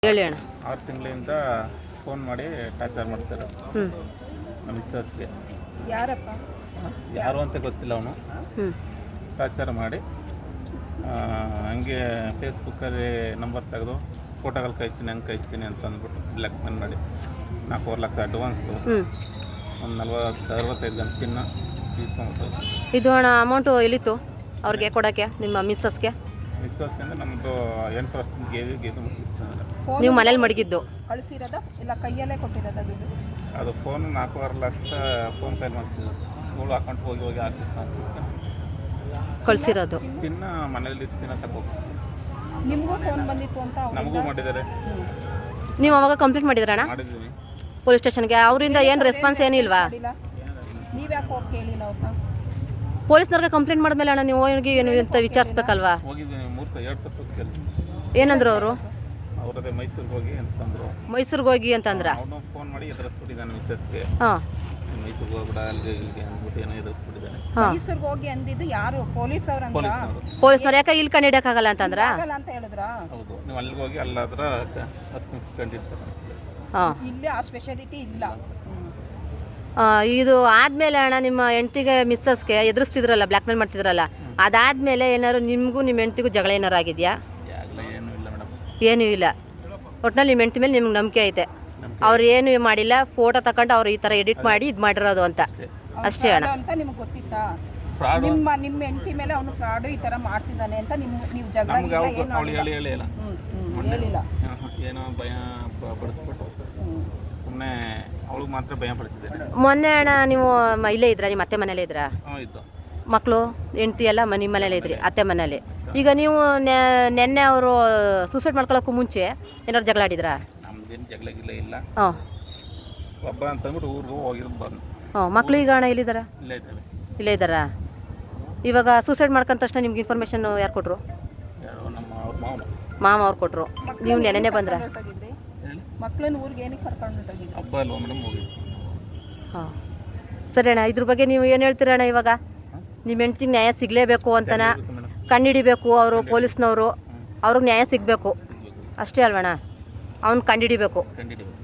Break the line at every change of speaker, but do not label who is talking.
ಹೇಳಿ ಅಣ್ಣ.
6 ತಿಂಗಳಿಂದ ಫೋನ್ ಮಾಡಿ ಟಾರ್ಚರ್ ಮಾಡ್ತಾರೆ ನಮ್ಮ ಮಿಸ್ಸಸ್ಗೆ. ಯಾರು ಅಂತ ಗೊತ್ತಿಲ್ಲ ಅವನು. ಟಾರ್ಚರ್ ಮಾಡಿ ಹಂಗೆ ಫೇಸ್ಬುಕ್ಕಲ್ಲಿ ನಂಬರ್ ತೆಗೆದು ಫೋಟೋಗಳು ಕಳಿಸ್ತೀನಿ ಅಂತ ಅಂದ್ಬಿಟ್ಟು ಬ್ಲ್ಯಾಕ್ ಮೇಲ್ ಮಾಡಿ 4 ಲಕ್ಷ ಅಡ್ವಾನ್ಸು, ಒಂದು 40-65 ಗಂಟೆ ಚಿನ್ನ తీసుಕೊಂಡ್ಬಿಟ್ಟು.
ಇದು ಅಣ್ಣ ಅಮೌಂಟು ಎಲ್ಲಿತ್ತು ಅವ್ರಿಗೆ ಕೊಡೋಕ್ಕೆ ನಿಮ್ಮ ಮಿಸ್ಸಸ್ಗೆ?
ಅಂದ್ರೆ ನಮ್ಮದು 8% ಗೇದು ಮುಗಿತ್ತು.
ನೀವು ಮನೇಲಿ ಮಡಗಿದ್ದು
ಕಳಿಸಿರೋದ ಇಲ್ಲ ಕೈಯಲ್ಲೇ ಕೊಟ್ಟಿರೋದ ದುಡ್ಡು?
ಅದು ಫೋನ್ 4.5 ಲಕ್ಷ ಫೋನ್ ಪೇ ಮಾಡ್ತಿದ್ದು. ಇವಳು ಅಕೌಂಟ್ ಹೋಗಿ ಆಫೀಸ್ಕೊಂಡು
ಕಳಿಸಿರೋದು.
ಚಿನ್ನ ಮನೇಲಿ ಚಿನ್ನ ತಗೋ.
ನಿಮಗೂ ಫೋನ್ ಬಂದಿತ್ತು ಅಂತ
ನಮಗೂ ಮಾಡಿದ್ದಾರೆ.
ನೀವು ಅವಾಗ ಕಂಪ್ಲೇಂಟ್ ಮಾಡಿದ್ರಣ್ಣ
ಮಾಡಿದ್ದೀವಿ
ಪೊಲೀಸ್ ಸ್ಟೇಷನ್ಗೆ? ಅವರಿಂದ ಏನು ರೆಸ್ಪಾನ್ಸ್ ಏನಿಲ್ವಾ?
ನೀವು ಯಾಕೆ ಹೋಗಿ ಕೇಳಿಲ್ಲ ಅವ್ರನ್ನ?
ಪೊಲೀಸ್ನವ್ರಿಗೆ ಕಂಪ್ಲೇಂಟ್ ಮಾಡಿದ್ಮೇಲೆ ಅಣ್ಣ ನೀವು ಹೋಗಿ ಏನು ಅಂತ ವಿಚಾರಿಸ್ಬೇಕಲ್ವಾ?
ಹೋಗಿದ್ದೀನಿ 2 ಸಲ ಕೇಳಿ.
ಏನಂದ್ರು ಅವರು?
ಅವರದೇ ಮೈಸೂರಿಗೆ ಹೋಗಿ ಅಂತಂದರು.
ಮೈಸೂರಿಗೆ ಹೋಗಿ ಅಂತಂದ್ರೆ
ಅವನು ಫೋನ್ ಮಾಡಿ ಎದುರಿಸ್ಬಿಟ್ಟಿದ್ದಾನೆ ಮಿಸ್ಸಸ್ಗೆ.
ಹಾಂ,
ಮೈಸೂರಿಗೆ ಹೋಗ್ಬಿಡ ಅಲ್ಲಿಗೆ ಇಲ್ಲಿಗೆ ಅಂದ್ಬಿಟ್ಟು ಏನೋ ಎದುರಿಸ್ಬಿಟ್ಟಿದ್ದಾನೆ.
ಮೈಸೂರಿಗೆ ಹೋಗಿ ಅಂದಿದ್ದು ಯಾರು? ಪೊಲೀಸ್ ಅವ್ರಂತ?
ಪೊಲೀಸ್ನವ್ರು ಯಾಕೆ ಇಲ್ಲಿ ಕಂಡು ಹಿಡಿಯೋಕ್ಕಾಗಲ್ಲ ಅಂತಂದ್ರ?
ಅಂತ ಹೇಳಿದ್ರ?
ಹೌದು, ನೀವು ಅಲ್ಲಿಗೆ ಹೋಗಿ ಅಲ್ಲಾದ್ರೆ 10 ನಿಮಿಷ ಕಂಡಿರ್ತಾರೆ.
ಹಾಂ,
ಇಲ್ಲಿ ಆ ಸ್ಪೆಷಾಲಿಟಿ ಇಲ್ಲ.
ಇದು ಆದಮೇಲೆ ಅಣ್ಣ ನಿಮ್ಮ ಹೆಂಡ್ತಿಗೆ ಮಿಸ್ಸಸ್ಗೆ ಎದುರಿಸ್ತಿದ್ರಲ್ಲ, ಬ್ಲ್ಯಾಕ್ ಮೇಲ್ ಮಾಡ್ತಿದ್ರಲ್ಲ, ಅದಾದಮೇಲೆ ಏನಾದ್ರು ನಿಮಗೂ ನಿಮ್ಮ ಹೆಂಡ್ತಿಗೂ ಜಗಳ ಏನಾರು ಆಗಿದೆಯಾ?
ಏನೂ ಇಲ್ಲ ಮೇಡಮ್.
ಏನೂ ಇಲ್ಲ. ಒಟ್ಟಿನಲ್ಲಿ ನಿಮ್ಮ ಹೆಂಡ್ತಿ ಮೇಲೆ ನಿಮ್ಗೆ ನಂಬಿಕೆ ಐತೆ. ಅವ್ರು ಏನು ಮಾಡಿಲ್ಲ, ಫೋಟೋ ತಗೊಂಡು ಅವ್ರು ಈ ಥರ ಎಡಿಟ್ ಮಾಡಿ ಇದು ಮಾಡಿರೋದು ಅಂತ ಅಷ್ಟೇ ಅಣ್ಣ.
ಅಂತ ನಿಮ್ಗೆ ಗೊತ್ತಿತ್ತಾ? ನಿಮ್ಮ ಹೆಂಡತಿ ಮೇಲೆ ಅವನು ಫ್ರಾಡು ಈ ತರ ಮಾಡ್ತಿದ್ದಾನೆ ಅಂತ ನೀವು ಜಗಳ ಹೇಳಿಲ್ಲ?
ಏನೋ ಭಯ ಪಡಿಸ್ಬಿಟ್ಟು ಸುಮ್ಮನೆ ಅವಳಿಗೆ ಮಾತ್ರ ಭಯ ಪಡ್ತಿದ್ದೇನೆ.
ಮೊನ್ನೆ ಅಣ್ಣ ನೀವು ಇಲ್ಲೇ ಇದ್ರಾ? ನಿಮ್ಮ ಅತ್ತೆ ಮನೇಲೇ ಇದ್ರಾ?
ಇದ್ದು
ಮಕ್ಕಳು ಹೆಂಡ್ತಿ ಎಲ್ಲ ನಿಮ್ಮ ಮನೇಲೇ ಇದ್ರಿ, ಅತ್ತೆ ಮನೇಲಿ. ಈಗ ನೀವು ನೆನ್ನೆ ಅವರು ಸೂಸೈಡ್ ಮಾಡ್ಕೊಳ್ಳೋಕ್ಕೂ ಮುಂಚೆ ಏನಾದ್ರು ಜಗಳ ಆಡಿದ್ರಾ?
ನಮ್ದೇನು ಜಗಳ ಇಲ್ಲ.
ಹಾಂ,
ಒಬ್ಬ ಅಂತಂದ್ಬಿಟ್ಟು ಊರಿಗೆ ಹೋಗಿರೋದು ಬಂದು.
ಹಾಂ, ಮಕ್ಕಳು ಈಗ ಅಣ್ಣ ಎಲ್ಲಿದ್ದಾರಾ? ಇಲ್ಲೇ ಇದ್ದಾರಾ? ಇವಾಗ ಸೂಸೈಡ್ ಮಾಡ್ಕೊಂಡ ತಕ್ಷಣ ನಿಮ್ಗೆ ಇನ್ಫಾರ್ಮೇಷನ್ ಯಾರು ಕೊಟ್ಟರು? ಮಾಮ ಅವ್ರು ಕೊಟ್ಟರು. ನೀವು ನೆನ್ನೆ ಬಂದ್ರ?
ಮಕ್ಕಳನ್ನ ಊರಿಗೆ ಏನಕ್ಕೆ ಕರ್ಕೊಂಡು ಹೊರಟೋಗಿದ್ರಿ?
ಹಬ್ಬ ಅಲ್ವಾ ಮೇಡಮ್, ಹೋಗಿ.
ಹಾಂ, ಸರಿ ಅಣ್ಣ. ಇದ್ರ ಬಗ್ಗೆ ನೀವು ಏನು ಹೇಳ್ತೀರ ಅಣ್ಣ? ಇವಾಗ ನಿಮ್ಮ ಹೆಂಡ್ತಿಗೆ ನ್ಯಾಯ ಸಿಗಲೇಬೇಕು ಅಂತನ ಕಂಡುಹಿಡಿಬೇಕು ಅವರು ಪೊಲೀಸ್ನವರು. ಅವ್ರಿಗೆ ನ್ಯಾಯ ಸಿಗಬೇಕು ಅಷ್ಟೇ ಅಲ್ವಣ್ಣ? ಅವ್ನು ಕಂಡುಹಿಡಿಬೇಕು.